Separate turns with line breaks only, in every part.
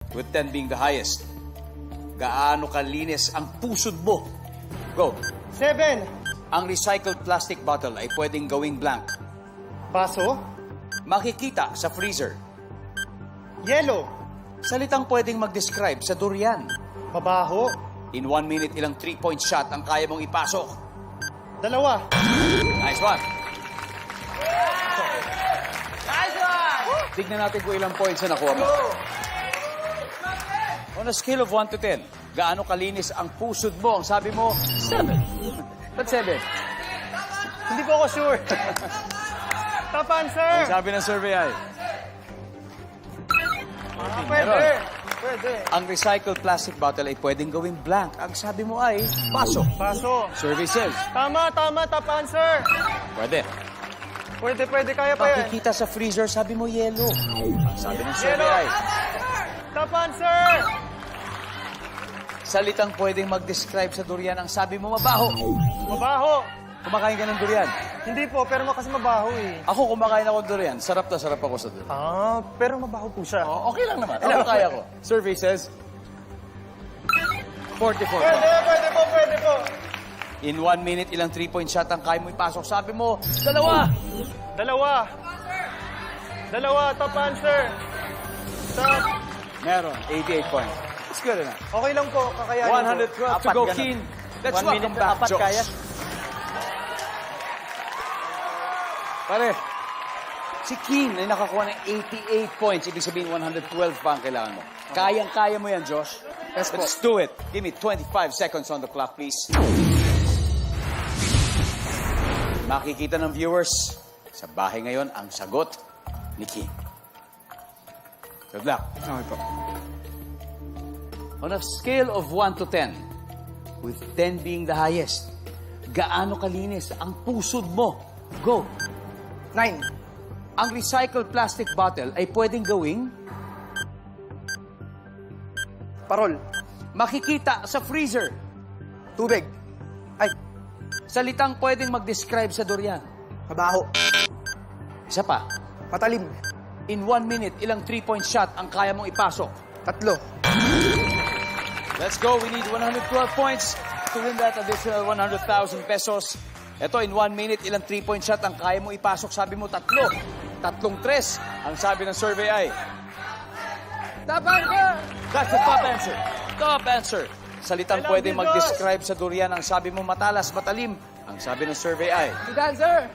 with 10 being the highest. Gaano kalinis ang pusod mo? Go.
7.
Ang recycled plastic bottle ay pwedeng gawing blank.
Baso.
Makikita sa freezer.
Yellow.
Salitang pwedeng mag-describe sa durian.
Mabaho.
In 1 minute, ilang 3-point shot ang kaya mong ipasok?
2.
Nice one. Tignan natin kung ilang points na nakuha mo. On a scale of 1 to 10, gaano kalinis ang pusod mo? Ang sabi mo, 7. Ba't 7?
Hindi po ako sure. Top answer.
Ang sabi ng survey ay,
Pwede.
Meron.
Pwede.
ang recycled plastic bottle ay pwedeng gawing blank. Ang sabi mo ay, baso.
Baso.
Survey says,
Tama. Top answer.
pwede.
Pwede. Kaya pa yan.
Makikita sa freezer, sabi mo yellow. Ang sabi ng survey
Yellow.
ay,
Top answer.
salitang pwedeng mag-describe sa durian. Ang sabi mo, mabaho.
Mabaho.
Kumakain ka ng durian.
Hindi po, pero kasi mabaho eh.
Ako, kumakain ako ng durian. Sarap na sarap ako sa durian.
Pero mabaho po siya.
Oh, okay lang naman. Ako kaya ko. Survey says, 44.
Pwede po.
In 1 minute, ilang 3-point shot ang kaya mo ipasok. Sabi mo, 2.
2. Top answer. Top.
Meron, 88 points. It's good enough.
Okay lang po, kakayanin
112 to go, Keen. Let's welcome back, Josh. Pare, si Keen ay nakakuha ng 88 points. Ibig sabihin, 112 pa ang kailangan mo. Kayang-kaya mo yan, Josh.
Yes, po.
Let's do it. Give me 25 seconds on the clock, please. Makikita ng viewers sa bahay ngayon ang sagot ni Keen. Good luck.
Okay po.
On a scale of 1 to 10, with 10 being the highest, gaano kalinis ang pusod mo? Go.
9.
Ang recycled plastic bottle ay pwedeng gawing
Parol.
makikita sa freezer.
Tubig. Ay,
Salitang pwedeng mag-describe sa durian.
mabaho.
Isa pa.
Matalim.
In 1 minute, ilang 3-point shot ang kaya mong ipasok?
3.
Let's go. We need 112 points to win that additional 100,000 pesos. Ito, in 1 minute, ilang 3-point shot ang kaya mo ipasok? Sabi mo, 3. 3. Ang sabi ng survey ay,
Top answer.
that's the top answer. Top answer. Salitang
I love
pwede
you,
mag-describe sa durian. Ang sabi mo, matalas, matalim. Ang sabi ng survey ay,
Good answer.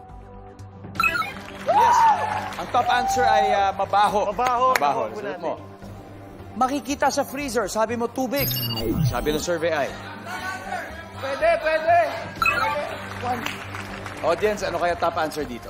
yes. Ang top answer ay mabaho.
Mabaho.
Mabaho.
Mabaho
Sagot
natin.
mo. Makikita sa freezer. Sabi mo, tubig. Ang sabi ng survey ay,
Pwede.
audience, ano kaya top answer dito?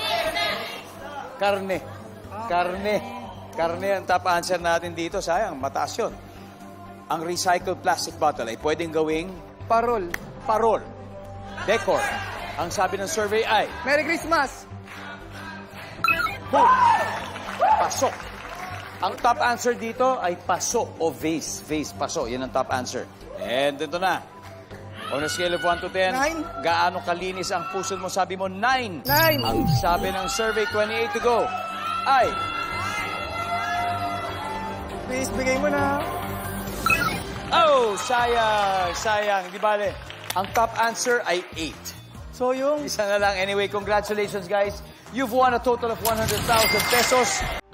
Karne. Karne ang top answer natin dito. Sayang, mataas yun. Ang recycled plastic bottle ay pwedeng gawing
Parol.
parol. Decor. Ang sabi ng survey ay,
Merry Christmas.
boom. Pasok. Ang top answer dito ay paso o vase. Vase, paso. Yan ang top answer. And ito na. On a scale of 1 to 10,
9.
gaano kalinis ang puso mo? Sabi mo, 9.
9.
Ang sabi ng survey, 28 to go, ay,
Please, bigay mo na.
oh, sayang. Di bale, ang top answer ay 8.
So yung
Isa na lang. Anyway, congratulations, guys. You've won a total of 100,000 pesos.